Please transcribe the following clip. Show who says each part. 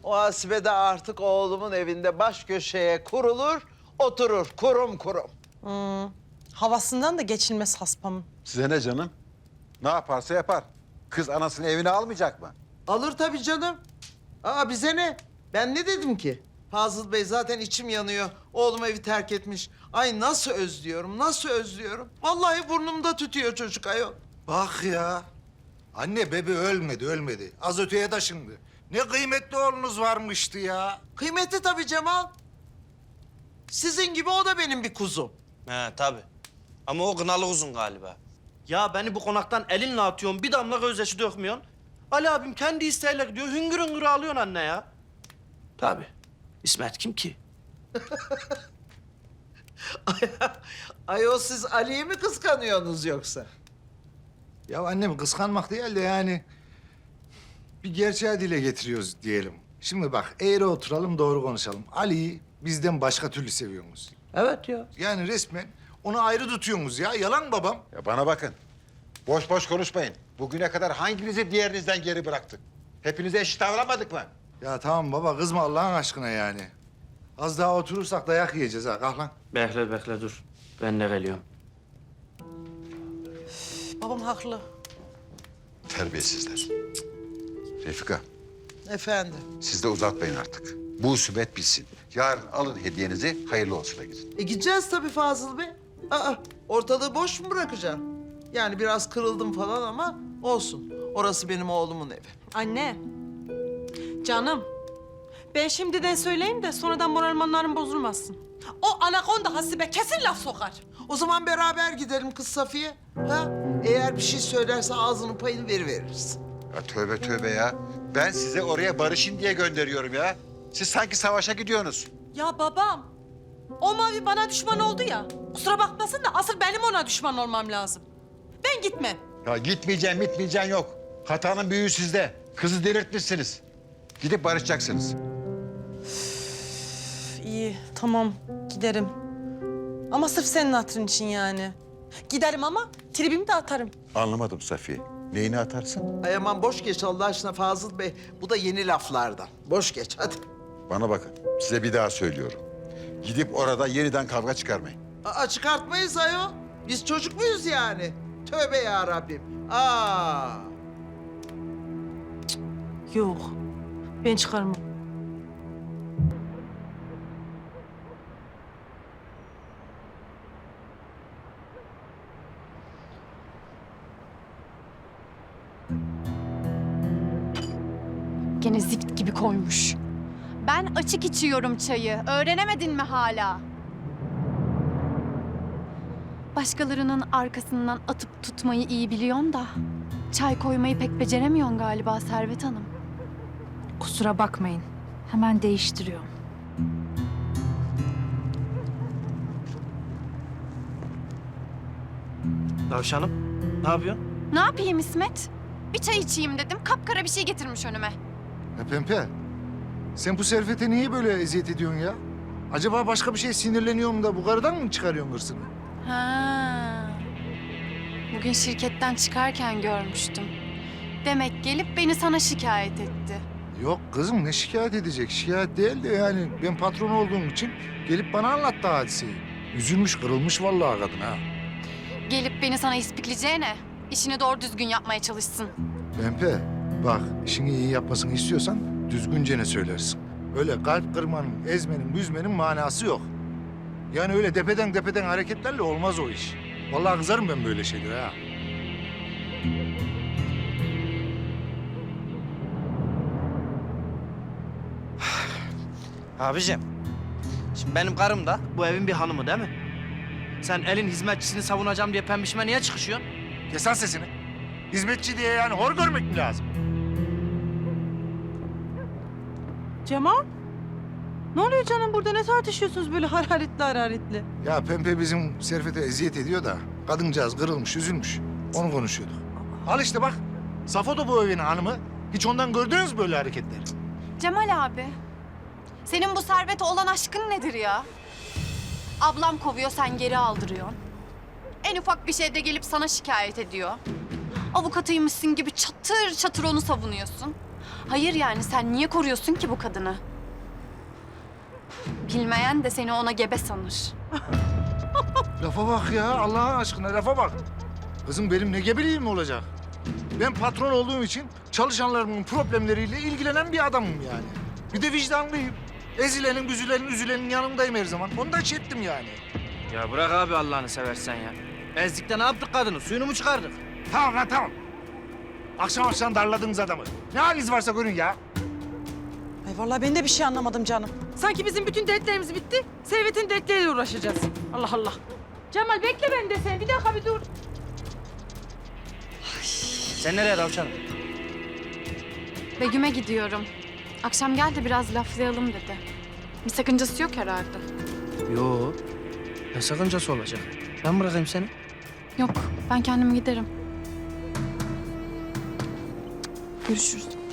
Speaker 1: O Hasibe de artık oğlumun evinde baş köşeye kurulur, oturur kurum kurum.
Speaker 2: Havasından da geçilmez haspamın.
Speaker 3: Size ne canım? Ne yaparsa yapar. Kız anasını evine almayacak mı?
Speaker 1: Alır tabii canım. Aa bize ne? Ben ne dedim ki? Fazıl Bey zaten içim yanıyor. Oğlum evi terk etmiş. Ay nasıl özlüyorum, nasıl özlüyorum. Vallahi burnumda tütüyor çocuk ayol.
Speaker 4: Bak ya. Anne bebe ölmedi. Az öteye taşındı. Ne kıymetli oğlunuz varmıştı ya.
Speaker 1: Kıymetli tabii Cemal. Sizin gibi o da benim bir kuzum.
Speaker 5: He tabii. Ama o kınalı uzun galiba. Ya beni bu konaktan elinle atıyorsun, bir damla gözyaşı dökmüyorsun. Ali abim kendi isteğiyle gidiyor, hüngür hüngür ağlıyorsun anne ya. Tabii. İsmet kim ki?
Speaker 1: Ayol siz Ali'yi mi kıskanıyorsunuz yoksa?
Speaker 4: Ya annem kıskanmak değil de yani... ...bir gerçeği dile getiriyoruz diyelim. Şimdi bak eğri oturalım doğru konuşalım. Ali'yi bizden başka türlü seviyorsunuz.
Speaker 1: Evet ya.
Speaker 4: Yani resmen onu ayrı tutuyorsunuz ya. Yalan babam.
Speaker 3: Ya bana bakın. Boş boş konuşmayın. Bugüne kadar hanginizi diğerinizden geri bıraktık? Hepinize eşit davranmadık mı?
Speaker 4: Ya tamam baba kızma Allah'ın aşkına yani. Az daha oturursak dayak yiyeceğiz ha. Kalk lan.
Speaker 5: Bekle dur. Ben de geliyorum.
Speaker 2: Babam haklı.
Speaker 3: Terbiyesizler. Refika,
Speaker 1: Efendim.
Speaker 3: siz de uzatmayın artık. Bu husubet bitsin. Yarın alın hediyenizi, hayırlı olsuna gidin.
Speaker 1: Gideceğiz tabii Fazıl Bey. Aa, ortalığı boş mu bırakacağım? Yani biraz kırıldım falan ama olsun. Orası benim oğlumun evi.
Speaker 2: Anne, canım. Ben şimdiden söyleyeyim de sonradan moralmanların bozulmasın. O anakonda Hasibe kesin laf sokar.
Speaker 1: O zaman beraber gidelim kız Safiye. Ha? Eğer bir şey söylerse ağzının payını veriveririz.
Speaker 3: Ya tövbe tövbe ya. Ben size oraya barışın diye gönderiyorum ya. Siz sanki savaşa gidiyorsunuz.
Speaker 2: Ya babam, o mavi bana düşman oldu ya. Kusura bakmasın da asıl benim ona düşman olmam lazım. Ben gitmem.
Speaker 3: Ya gitmeyeceğim yok. Hatanın büyüğü sizde. Kızı delirtmişsiniz. Gidip barışacaksınız.
Speaker 2: İyi, tamam. Giderim. Ama sırf senin hatırın için yani. Giderim ama tribimi de atarım.
Speaker 3: Anlamadım Safiye. Neyini atarsın?
Speaker 1: Ay aman boş geç Allah aşkına Fazıl Bey. Bu da yeni laflardan. Boş geç hadi.
Speaker 3: Bana bakın. Size bir daha söylüyorum. Gidip orada yeniden kavga çıkarmayın.
Speaker 1: Aa, çıkartmayız ayol. Biz çocuk muyuz yani? Tövbe ya Rabbim. Aa.
Speaker 2: Yok, ben çıkarmam.
Speaker 6: Gene zift gibi koymuş. Ben açık içiyorum çayı. Öğrenemedin mi hala? Başkalarının arkasından atıp tutmayı iyi biliyorsun da... ...çay koymayı pek beceremiyorsun galiba Servet Hanım.
Speaker 7: Kusura bakmayın. Hemen değiştiriyorum.
Speaker 5: Tavşanım, ne yapıyorsun?
Speaker 6: Ne yapayım İsmet? Bir çay içeyim dedim. Kapkara bir şey getirmiş önüme.
Speaker 4: Ya Pempe, sen bu Servet'e niye böyle eziyet ediyorsun ya? Acaba başka bir şey sinirleniyorum da bu karıdan mı çıkarıyorsun hırsını?
Speaker 6: Ha. Bugün şirketten çıkarken görmüştüm. Demek gelip beni sana şikayet etti.
Speaker 4: Yok kızım ne şikayet edecek? Şikayet değil de yani ben patron olduğum için gelip bana anlattı hadiseyi. Üzülmüş, kırılmış vallahi kadın ha.
Speaker 6: Gelip beni sana ispikleyeceğine işini doğru düzgün yapmaya çalışsın.
Speaker 4: Pempe, bak işini iyi yapmasını istiyorsan düzgünce ne söylersin. Öyle kalp kırmanın, ezmenin, büzmenin manası yok. Yani öyle depeden hareketlerle olmaz o iş. Vallahi kızarım ben böyle şeylere ha.
Speaker 5: Abicim, şimdi benim karım da bu evin bir hanımı değil mi? Sen elin hizmetçisini savunacağım diye pembişime niye çıkışıyorsun?
Speaker 4: Kes lan sesini. Hizmetçi diye yani hor görmek mi lazım?
Speaker 2: Cemal, ne oluyor canım burada? Ne tartışıyorsunuz böyle hararetli?
Speaker 4: Ya Pempe bizim Servet'e eziyet ediyor da kadıncağız kırılmış, üzülmüş. Onu konuşuyorduk. Al işte bak. Safo da bu evin hanımı. Hiç ondan gördünüz mü böyle hareketler?
Speaker 6: Cemal abi, senin bu servete olan aşkın nedir ya? Ablam kovuyor, sen geri aldırıyorsun. En ufak bir şeyde gelip sana şikayet ediyor. Avukatıymışsın gibi çatır çatır onu savunuyorsun. Hayır yani sen niye koruyorsun ki bu kadını? Bilmeyen de seni ona gebe sanır.
Speaker 4: Lafa bak ya, Allah'ın aşkına lafa bak. Kızım benim ne gebeliğim olacak? Ben patron olduğum için çalışanlarımın problemleriyle ilgilenen bir adamım yani. Bir de vicdanlıyım. Ezilenin, büzülenin, üzülenin yanındayım her zaman. Onu da ettim yani.
Speaker 5: Ya bırak abi Allah'ını seversen ya. Ezlikte ne yaptık kadını? Suyunu mu çıkardık?
Speaker 4: Tamam lan tamam. Akşam akşam darladınız adamı. Ne haliniz varsa görün ya.
Speaker 2: Ay vallahi ben de bir şey anlamadım canım. Sanki bizim bütün dertlerimiz bitti. Servet'in dertleriyle uğraşacağız. Allah Allah. Cemal bekle ben de sen. Bir dakika bir dur.
Speaker 5: Sen nereye tavşanım?
Speaker 6: Begüm'e gidiyorum. Akşam gel de biraz laflayalım dedi. Bir sakıncası yok herhalde.
Speaker 5: Yo. Ne sakıncası olacak? Ben bırakayım seni.
Speaker 6: Yok, ben kendim giderim. Görüşürüz.